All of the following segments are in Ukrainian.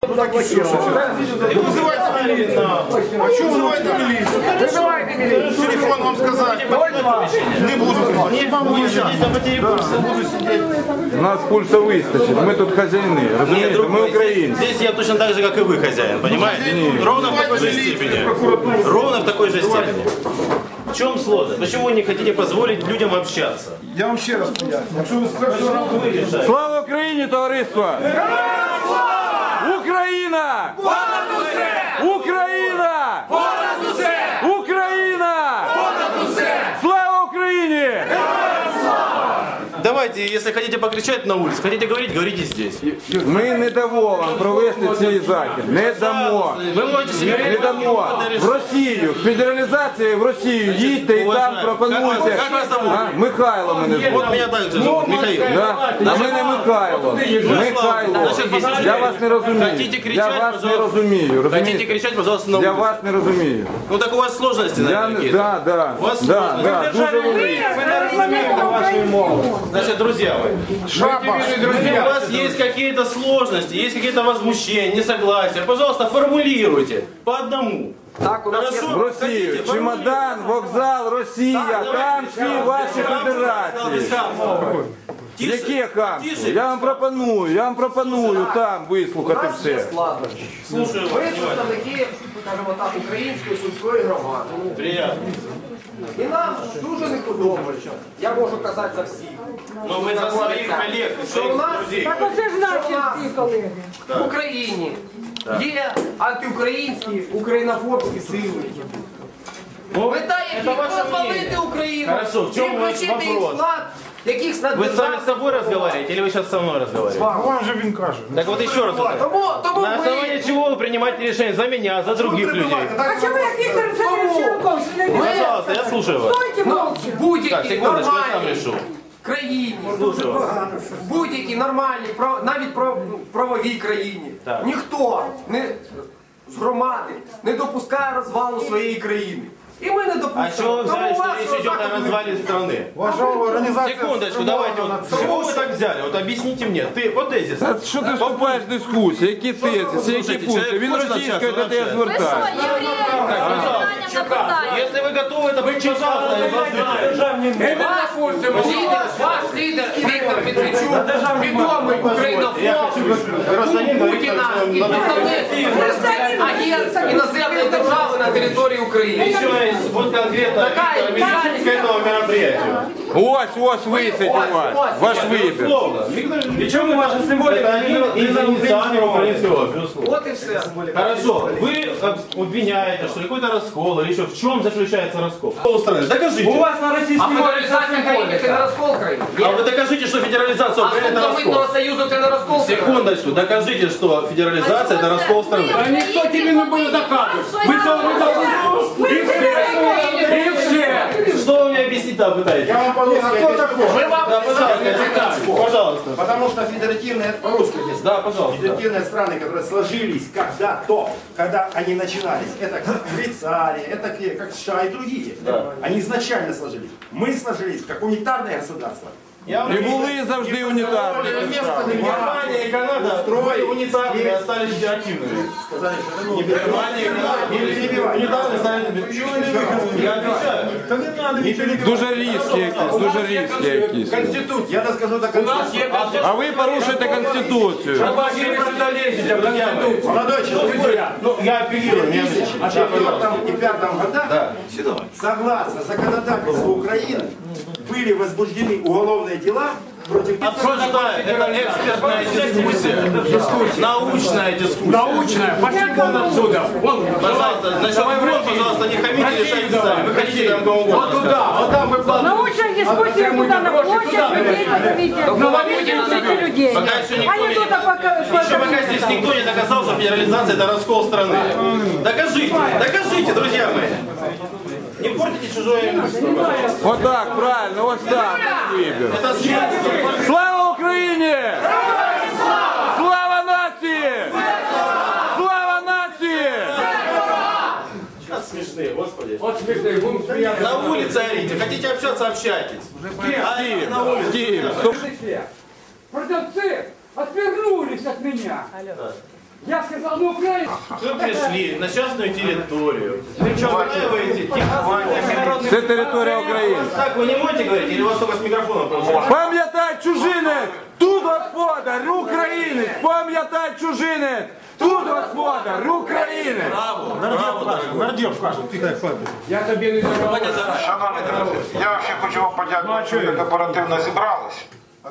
Вызывайте милицию. А что вызывайте милицию? Вызывайте милицию. Телефон вам сказать. Не буду. У нас пульса вистачить, ми тут хазяїни, розумієте, ми українці. Здесь я точно так же, как и вы, хозяин, понимаете? Ровно в такой же степени. Ровно в такой же степени. В чем сложность? Почему вы не хотите позволить людям общаться? Я вам ще раз поясню. Слава Україні, товариство! Україна! Понад усе! Україна! Понад усе! Україна! Понад усе! Слава Україні! Давайте, если хотите покричать на улице, хотите говорить, говорите здесь. Ми не дамо вам провести цей захід. Не дамо. Вы можете себе Не дамо. В Росію. З федералізації в Росію їдьте і там пропонуйте. Як вас зовут? Михайло мене звуть. Вот меня также зовут, Михаил. Да? А мене Михайло. Михайло. Я вас не розумію. Хотите кричать, Я вас не пожалуйста. розумію. Хотите Розумієте? кричать, пожалуйста, на Я улице. вас не розумію. Ну так у вас сложности, наверное, какие-то. Да, У вас да, сложности. да, дуже великі. Значит, друзья мои, если у вас есть какие-то сложности, есть какие-то возмущения, несогласия, пожалуйста, формулируйте по одному. Так, у нас є... В Росію. Чемодан, вокзал, Росія. Там всі ваші федерації. Яке хамство? Я вам пропоную там У вислухати нас є все. складнощі. Слушаю Ми вас, внимательно. представники, скажімо так, української сільської громади. Приятно. І нам дуже не подобається, я можу казати за всіх. Но вы за своих коллег, и Що у своих нас, друзей. Так оце ж наші всі колеги. в Україні є антиукраїнські, українофобські сили. Мета это яких ваше розвалити мнение. Україну Хорошо, в чому і включити їх в вопрос? склад якихось Вы сами с собой разговариваете или вы сейчас со мной разговариваете? Вам же він каже. Так вот еще раз. Тому На основании чего вы принимаете решение за меня, за других людей? А чому як Віктор Олександрович Янукович не бере? Пожалуйста, я слушаю вас. Стойте молча. Так, будь-якій секундочку, я сам нормальній решу. країні, Слушаю вас. будь-якій нормальній, навіть правовій країні, Так. ніхто з громади не допускає розвалу своєї країни. І ми не А допустимо. чего вы взяли, Тому что вас речь идет о заходу не развале страны? Ваша організація... Секундочку, давайте. Вот, с чего вы так взяли? Вот объясните мне. Ты, вот тезис. Та що ти вступаєш в дискусію? Які тезиси, які Слушайте, пункти? человек Він хоче російською до навчатися, тебе звертає. Если вы готовы, то пожалуйста, Ваш лідер Віктор Медведчук, відомий українофоб, гражданин Путіна, агент іноземної держави на території України. Еще есть вот конкретно Такая Виктор Медведчук к этому мероприятию. Ось висить у вас. Ваш вибір. Безусловно. Причем ваша символика один из инициаторов украинского, безусловно. От і все. Хорошо, вы обвиняете, что какой-то раскол или еще в чем заключается раскол? Докажите. У вас на А російській мові федералізація країни це не розкол країни? А вы докажите, что федерализация А Украины это вступ до Митного раскол. Союзу це не розкол країни? Секундочку, докажите, что федерализация это раскол страны. А ніхто тобі не буде доказувати. Ви цього не доказуєте. І все. Что вы мне объяснить-то пытаетесь? Я вам по-русски объясню. Да, пожалуйста, пожалуйста. Потому что федеративные, по-русски здесь, Да, пожалуйста. федеративные страны, которые сложились когда-то, когда они начинались, это как Швейцария, это как США и другие, они изначально сложились. Мы сложились как унитарное государство. І були завжди унітарні. Германия и Канада были унитарными, а стали федеративными. Сказали, что это Германия и Канада были унитарными, стали федеративными. Я отвечаю. Дуже різкі якісь, дуже різкі якісь. Я доскажу до конца. А ви порушуєте Конституцію. Молодой человек, Ну, я апеллирую. в 2005 годах, согласно законодательству Украины, были возбуждены уголовные дела против... Обсуждаем. Это экспертная дискуссия. Научная дискуссия. Научная. Пошли вон отсюда. Вон. Пожалуйста, насчет вон, пожалуйста, не хамите, решайте сами. Выходите там кого Вот угодно. туда. Вот там выкладывайте. Научная дискуссия куда на площадь, людей позовите. Слушайте людей. Пока еще никто А не не... тут, а пока... Еще пока здесь никто не доказал, что федерализация это раскол страны. Докажите, друзья мои. Не портите чужое имущество, пожалуйста. Отак, правильно, ось так ваш вибір. Это смерть. Слава Україні! Слава нації! Слава нації! Сейчас смешные, господи. Вот смешные. Будем смеяться. На улице орите. Хотите общаться, общайтесь. Орите на улице. Стів, стоп. Продавцы отвернулись от меня. Я сказал, ну Украина. Вы пришли на частную территорию. Устраиваете Це територія України. Так вы не можете говорить, или у вас только с микрофоном получается? Пам'ятай чужинець, тут господар, українець. Пам'ятай чужинець, тут господар, українець. Нардєв каже, Я тобі не давав. Шановні друзі, я ще хочу вам подякувати, що ви так оперативно зібрались.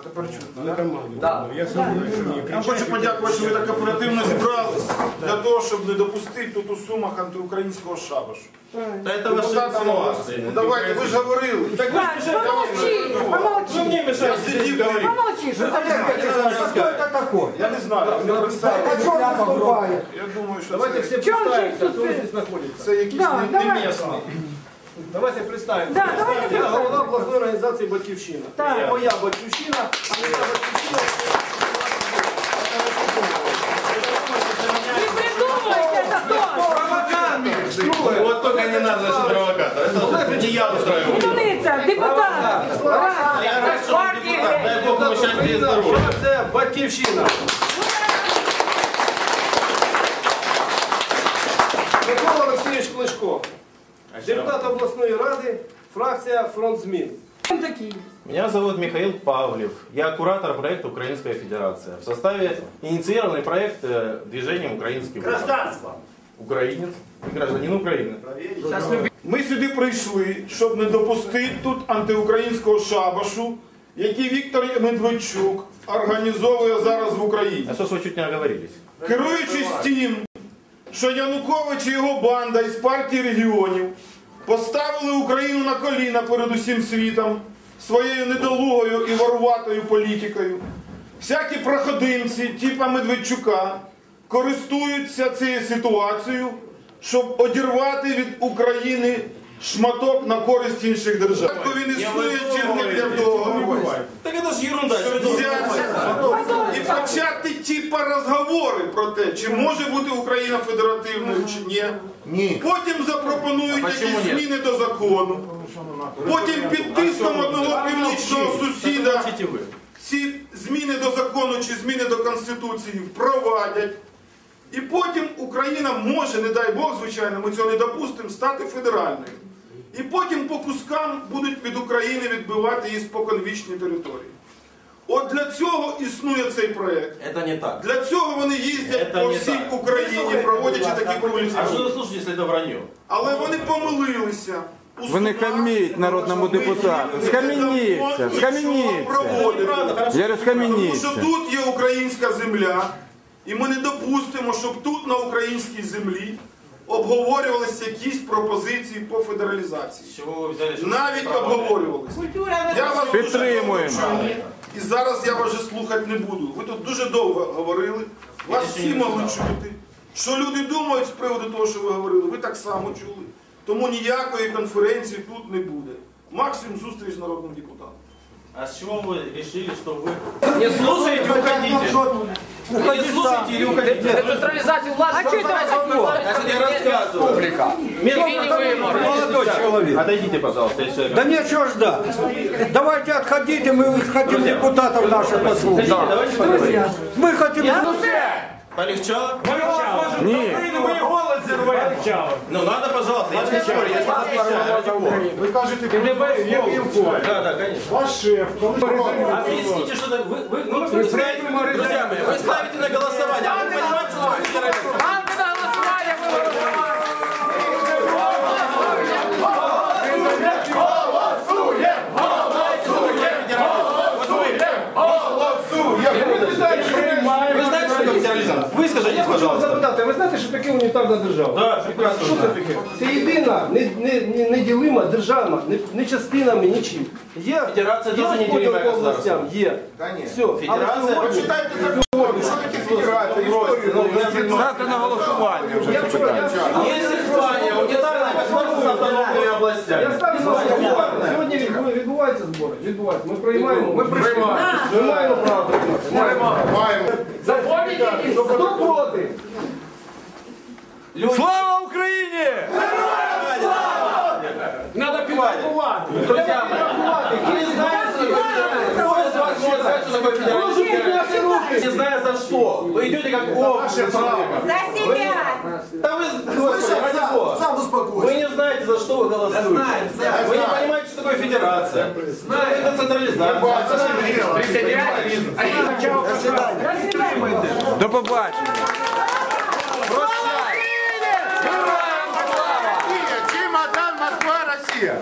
Я хочу подякувати, що ви так оперативно зібрались для того, щоб не допустити тут у Сумах антиукраїнського шабашу. Да это ваши инсинуации. Ну давайте, ви ж говорили. Так ви ж Помолчи, помолчи. мне мешаете здесь говорить. Помолчи, что Я не знаю, ви не представите. Я думаю, що Давайте все чем представимся, тут кто ты? здесь находится. це якийсь Да, не давай. місний. Давайте представимся. Да, давайте Я голова представимся. обласної організації «Батьківщина». Так. Це моя «Батьківщина», а моя «Батьківщина» Не придумывайте это тоже. Вот только не надо, значит, провокатор. Это не я устраиваю. Умница, депутат. Я рад, что он депутат. Дай Бог ему счастья и здоровья. Це «Батьківщина». Микола Олексійович Кличко, депутат обласної ради, фракція «Фронт змін». Такие. Меня зовут Михаил Павлев. Я куратор проекта «Украинская Федерация». В составе инициированный проект движением «Украинский выбор». Гражданство. Украинец и гражданин Украины. Ми сюди прийшли, щоб не допустити тут антиукраїнського шабашу, який Віктор Медведчук організовує зараз в Україні. А что ж вы чуть не оговорились? Керуючись тим, що Янукович і його банда із партії регіонів поставили Україну на коліна перед усім світом своєю недолугою і воруватою політикою, всякі проходимці типа Медведчука користуються цією ситуацією, щоб одірвати від України шматок на користь інших держав. Він існує тільки для того, Так это ж ерунда. і почати типа розговори про те, чи може бути Україна федеративною, чи ні. Потім запропонують якісь зміни до закону. Потім під тиском одного північного сусіда ці зміни до закону чи зміни до Конституції впровадять. І потім Україна може, не дай Бог, звичайно, ми цього не допустимо, стати федеральною. І потім по кускам будуть від України відбивати її споконвічні території. От для цього існує цей проєкт. Это не так. Для цього вони їздять Це по не всій так. Україні, проводячи такі круглі А что столи. вы слушаете, если это вранье? Але вони помилилися. Ви не хаміть народному депутату. Схаменіться, схаменіться. Я говорю, Тому схаменіться. що тут є українська земля, і ми не допустимо, щоб тут на українській землі обговорювалися якісь пропозиції по федералізації. С чего вы взяли, что Навіть обговорювалися. Я вас дуже Підтримуємо. довго чую. І зараз я вас вже слухати не буду. Ви тут дуже довго говорили, вас всі могли чути. Що люди думають з приводу того, що ви говорили, ви так само чули. Тому ніякої конференції тут не буде. Максимум зустріч з народним депутатом. А с чего вы решили, что вы не слушаете, уходите? Не слушаете или уходите? Децентралізацію влади. А что это такое? Значит, я рассказываю. Молодой человек. Отойдите, пожалуйста, я человек. Да нечего ждать. Давайте отходите, мы хотим депутатов наших послушать. Давайте поговорим. Мы хотим... Полегчало? Ні. Ну надо, пожалуйста, я не спорю, я не отвечаю. Ви кажете, Да, да, конечно. ваш шеф, Объясните, что так. Вы ставите, друзья мои, вы ставите на голосование, а вы понимаете, что вы федерализм? Вы знаете, что такое федерализм? Вы скажите, пожалуйста. Запитати, ви знаєте, що таке унітарна держава? Да, прекрасно. Що це таке? Це єдина, неділима держава, не частинами, нічим. Є Федерація дуже розподіл неділиме по областям, є. Все. Федерація. почитайте закон, що таке федерація, історію. Ставте на голосування вже це питання. Есть Испания, унитарная государство с автономными областями. Я ставлю на голосування. Сьогодні відбуваються збори. Відбуваються. Ми приймаємо. Ми маємо право приймати. Маємо. Хто проти? Слава Україні! Надо підрахувати. Друзья мои, вы знаете, кто из вас может сказать, что такое федерализм? Підняти руки. Не зная за что. Вы идете как общество. За себя. Да вы, Господи, ради Бога. Сам успокойся. Вы не знаете, за что вы голосуете. Вы не понимаете, что такое федерация. Это централизация. До побачення. Чемодан, Москва, Росія.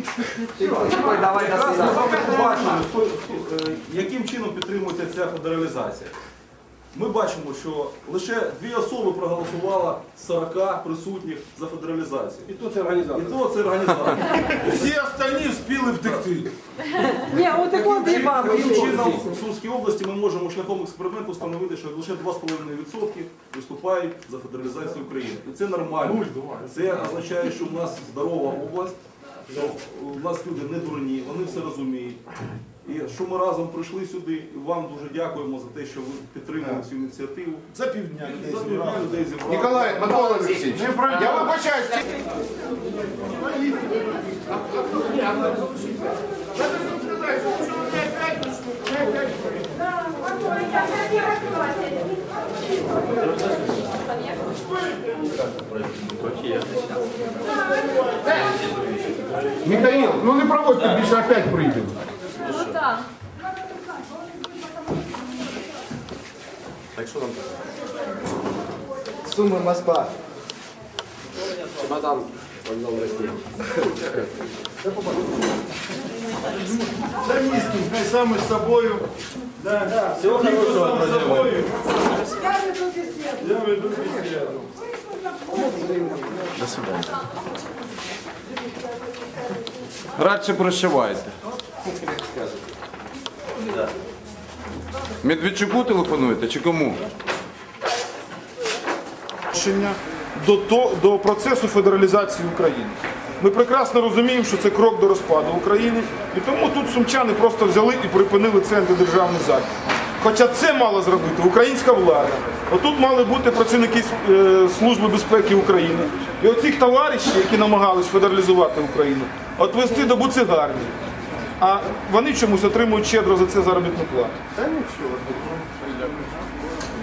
Яким чином підтримується ця федералізація? Ми бачимо, що лише 2 особи проголосувало з 40 присутніх за федералізацію. І то це організатор. Всі остальні встигли втекти. Ні, от такого дива. Таким чином в Сумській області ми можемо шляхом експерименту встановити, що лише 2,5% виступають за федералізацію України. І це нормально. Це означає, що в нас здорова область, що у нас люди не дурні, вони все розуміють. І що ми разом прийшли сюди, і вам дуже дякуємо за те, що ви підтримали цю ініціативу. За півдня людей зібрали. Ніколай, Микола Олексійович, я вибачаюсь. Михаил, ну не проводьте, більше опять прийдемо. Ну так. Так что там? Суми, Москва. Чемодан. Вокзал России. За низким, хай саме з собою. Всего хорошего, друзья мои. Я веду бесіду. До свидания. Радше прощавайте. Медведчуку телефонуєте чи кому? До процесу федералізації України. Ми прекрасно розуміємо, що це крок до розпаду України, і тому тут сумчани просто взяли і припинили цей антидержавний захід. Хоча це мала зробити українська влада. Отут мали бути працівники Служби безпеки України. І оцих товаришів, які намагались федералізувати Україну, отвести до буцегарні. А вони чомусь отримують щедро за це заробітну плату.